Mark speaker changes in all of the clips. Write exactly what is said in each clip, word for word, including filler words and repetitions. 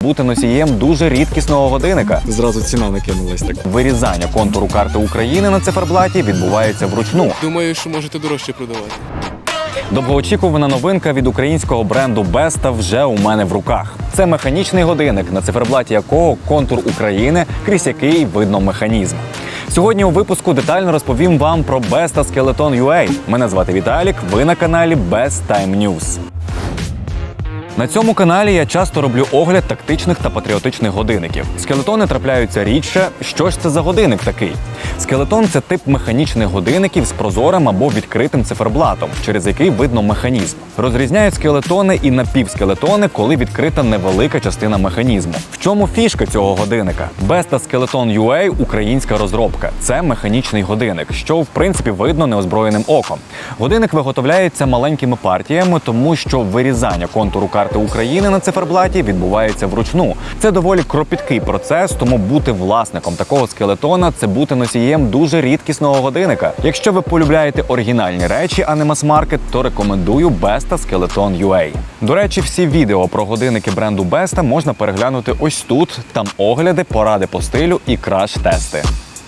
Speaker 1: бути носієм дуже рідкісного годинника.
Speaker 2: Зразу ціна накинулась так.
Speaker 1: Вирізання контуру карти України на циферблаті відбувається вручну.
Speaker 3: Думаю, що можете дорожче продавати.
Speaker 1: Довгоочікувана новинка від українського бренду Besta вже у мене в руках. Це механічний годинник, на циферблаті якого контур України, крізь який видно механізм. Сьогодні у випуску детально розповім вам про Besta Skeleton ю ей. Мене звати Віталік, ви на каналі Best Time News. На цьому каналі я часто роблю огляд тактичних та патріотичних годинників. Скелетони трапляються рідше. Що ж це за годинник такий? Скелетон – це тип механічних годинників з прозорим або відкритим циферблатом, через який видно механізм. Розрізняють скелетони і напівскелетони, коли відкрита невелика частина механізму. В чому фішка цього годинника? Besta Skeleton ю ей – українська розробка. Це механічний годинник, що в принципі видно неозброєним оком. Годинник виготовляється маленькими партіями, тому що вирізання контуру карти України на циферблаті відбувається вручну. Це доволі кропіткий процес, тому бути власником такого скелетона – це бути носієм дуже рідкісного годинника. Якщо ви полюбляєте оригінальні речі, а не мас-маркет, то рекомендую Besta Skeleton ю ей. До речі, всі відео про годинники бренду Besta можна переглянути ось тут. Там огляди, поради по стилю і краш-тести.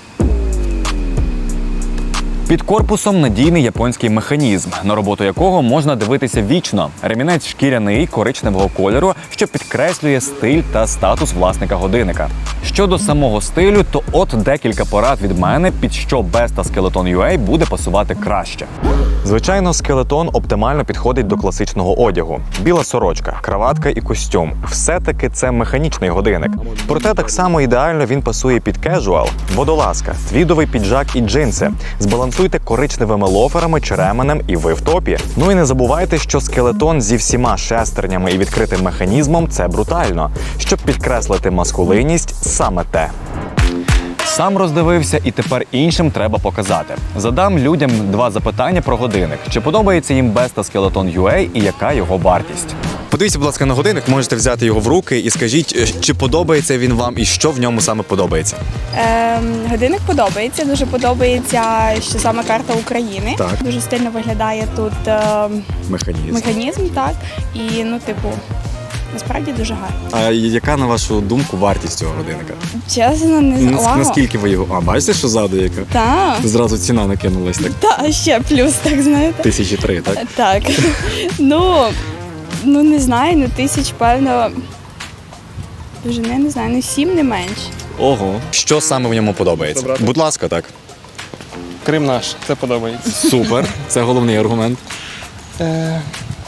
Speaker 1: Під корпусом надійний японський механізм, на роботу якого можна дивитися вічно. Ремінець шкіряний, коричневого кольору, що підкреслює стиль та статус власника годинника. Щодо самого стилю, то от декілька порад від мене, під що Besta Skeleton ю ей буде пасувати краще. Звичайно, скелетон оптимально підходить до класичного одягу. Біла сорочка, краватка і костюм – все-таки це механічний годинник. Проте так само ідеально він пасує під кежуал, водолазка, твідовий піджак і джинси. Збалансуйте коричневими лоферами чи ременем і ви в топі. Ну і не забувайте, що скелетон зі всіма шестернями і відкритим механізмом – це брутально. Щоб підкреслити маскулинність – саме те. Сам роздивився і тепер іншим треба показати. Задам людям два запитання про годинник. Чи подобається їм Besta Skeleton ю ей і яка його вартість?
Speaker 2: Подивіться, будь ласка, на годинник, можете взяти його в руки і скажіть, чи подобається він вам і що в ньому саме подобається.
Speaker 4: Ем, годинник подобається, дуже подобається, що саме карта України.
Speaker 2: Так.
Speaker 4: Дуже стильно виглядає тут ем,
Speaker 2: Механізм.
Speaker 4: механізм, так. І, ну, типу, насправді дуже гарно.
Speaker 2: А яка, на вашу думку, вартість цього годинника?
Speaker 4: Чесно, не
Speaker 2: Нас-
Speaker 4: знаю.
Speaker 2: Наскільки ви його... А, бачите, що ззаду яка?
Speaker 4: Так,
Speaker 2: Зразу ціна накинулась так.
Speaker 4: та, ще плюс, так, знаєте.
Speaker 2: Тисячі три, так?
Speaker 4: Так. Ну, ну, не знаю, ну, тисяч, певно, дуже, не, не знаю, ну, сім не менше.
Speaker 2: Ого. Що саме в ньому подобається?
Speaker 3: Добре.
Speaker 2: Будь ласка, так.
Speaker 3: Крим наш, це подобається.
Speaker 2: Супер. Це головний аргумент.
Speaker 3: Е,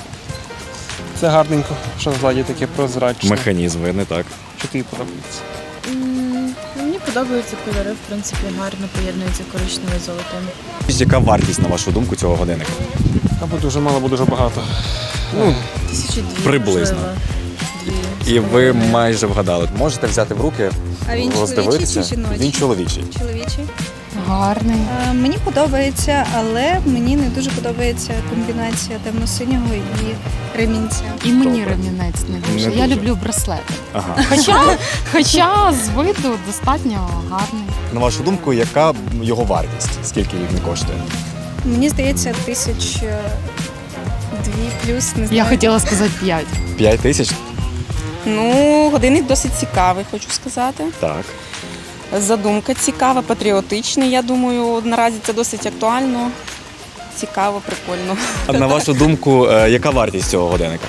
Speaker 3: Це гарненько, що ззаді таке прозрачне.
Speaker 2: Механізм, видно, так.
Speaker 3: Що тобі подобається?
Speaker 5: М, Мені подобаються кольори, в принципі, гарно поєднуються коричневе з золотим.
Speaker 2: Яка вартість, на вашу думку, цього годинника?
Speaker 3: Або дуже мало, або дуже багато.
Speaker 2: Ну,
Speaker 5: Тисячі дві,
Speaker 2: приблизно.
Speaker 5: можливо, дві.
Speaker 2: І ви майже вгадали. Можете взяти в руки,
Speaker 6: А він
Speaker 2: роздивитися.
Speaker 6: чоловічий чи жіночий?
Speaker 2: Він чоловічий.
Speaker 6: Чоловічий.
Speaker 5: Гарний.
Speaker 6: Е, Мені подобається, але мені не дуже подобається комбінація темно-синього і ремінця.
Speaker 5: І мені
Speaker 2: Добре.
Speaker 5: ремінець не дуже.
Speaker 2: Не
Speaker 5: Я
Speaker 2: дуже.
Speaker 5: люблю браслети.
Speaker 2: Ага.
Speaker 5: Хоча, хоча з виду достатньо гарний.
Speaker 2: На вашу думку, яка його вартість? Скільки він коштує?
Speaker 6: Мені здається, тисяч е, дві плюс, не знаю.
Speaker 5: Я хотіла сказати п'ять.
Speaker 2: П'ять тисяч?
Speaker 7: Ну, годинник досить цікавий, хочу сказати.
Speaker 2: Так.
Speaker 7: Задумка цікава, патріотичний, я думаю, наразі це досить актуально. Цікаво, прикольно.
Speaker 2: А на вашу думку, е, яка вартість цього годинника?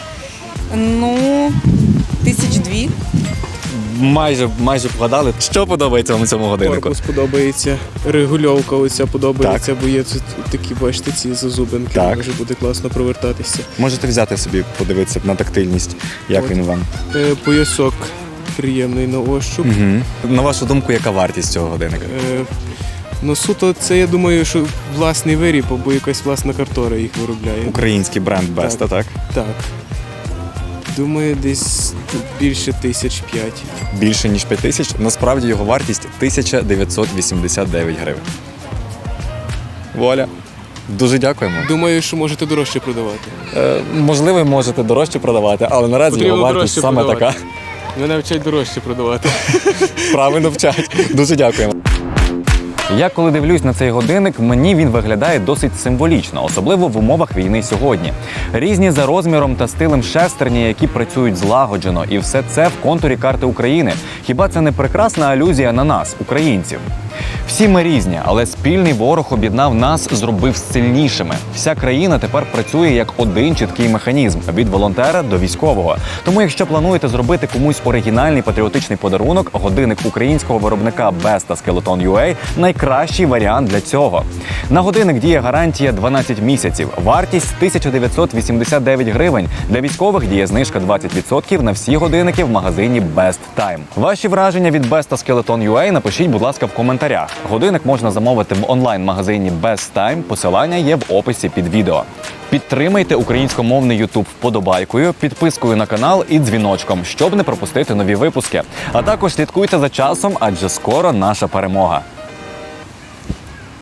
Speaker 7: Ну, тисяч дві.
Speaker 2: Майже, майже вгадали. Що подобається вам у цьому годиннику?
Speaker 3: Корпус подобається, регульовка оця подобається, бо є тут такі, бачите, ці зазубинки,
Speaker 2: Так.
Speaker 3: може буде класно провертатися.
Speaker 2: Можете взяти собі, подивитися на тактильність, як
Speaker 3: От.
Speaker 2: він вам.
Speaker 3: Е, Поясок приємний на ощуп.
Speaker 2: Угу. На вашу думку, яка вартість цього годинника?
Speaker 3: Е, Ну, суто, це, я думаю, що власний виріб, або якась власна картора їх виробляє.
Speaker 2: Український бренд Besta, так?
Speaker 3: Так. Так. Думаю, десь більше тисяч п'ять.
Speaker 2: Більше, ніж п'ять тисяч. Насправді його вартість тисяча дев'ятсот вісімдесят дев'ять гривень. Вуаля. Дуже дякуємо.
Speaker 3: Думаю, що можете дорожче продавати.
Speaker 2: Е, можливо, можете дорожче продавати, але наразі
Speaker 3: Потрібно
Speaker 2: його вартість
Speaker 3: дорожче
Speaker 2: саме
Speaker 3: продавати.
Speaker 2: така.
Speaker 3: Мене вчать дорожче продавати.
Speaker 2: Правильно вчать. Дуже дякуємо.
Speaker 1: Я коли дивлюсь на цей годинник, мені він виглядає досить символічно, особливо в умовах війни сьогодні. Різні за розміром та стилем шестерні, які працюють злагоджено, і все це в контурі карти України. Хіба це не прекрасна алюзія на нас, українців? Всі ми різні, але спільний ворог об'єднав нас, зробив сильнішими. Вся країна тепер працює як один чіткий механізм – від волонтера до військового. Тому якщо плануєте зробити комусь оригінальний патріотичний подарунок, годинник українського виробника Besta Skeleton ю ей – найкращий варіант для цього. На годинник діє гарантія дванадцять місяців, вартість тисяча дев'ятсот вісімдесят дев'ять гривень. Для військових діє знижка двадцять відсотків на всі годинники в магазині Best Time. Ваші враження від Besta Skeleton ю ей напишіть, будь ласка, в коментарях. Годинник можна замовити в онлайн-магазині Best Time, посилання є в описі під відео. Підтримайте українськомовний YouTube вподобайкою, підпискою на канал і дзвіночком, щоб не пропустити нові випуски. А також слідкуйте за часом, адже скоро наша перемога.